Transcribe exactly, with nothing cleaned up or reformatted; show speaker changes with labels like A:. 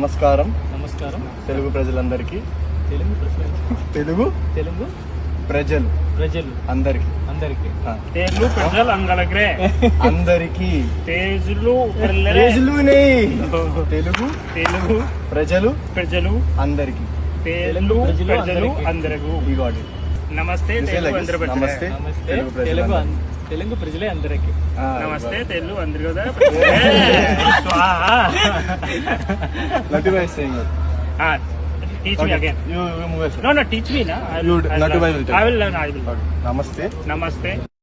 A: నమస్కారం
B: నమస్కారం
A: తెలుగు ప్రజలందరికీ
B: తెలుగు ప్రజలు
A: తెలుగు
B: తెలుగు
A: ప్రజలు
B: ప్రజలు
A: అందరికి
B: అందరికి
C: తెలుగు ప్రజలు అంగలగ్రే
A: అందరికి
C: తేజులు
A: ప్రజలునే తెలుగు
C: తెలుగు
A: ప్రజలు
C: ప్రజలు
A: అందరికి
C: తెలుగు
B: ప్రజలు
C: ప్రజలు
B: అందరికీ.
C: అందరకు
A: ఈ గాడ్
C: నమస్తే తెలుగు అందరి ప్రజలే.
A: నమస్తే
B: నమస్తే
A: తెలుగు
B: తెలుగు
A: ప్రజలు
B: అం- తెలుగు ప్రజలే అందరికి
C: నమస్తే తెలుగు అందరి కదా
A: Natu Bhai is saying it.
C: Teach me again
A: You, you move it.
C: No no teach me నా
A: You- Natu Bhai will tell.
C: I will learn I will
A: Namaste.
C: నమస్తే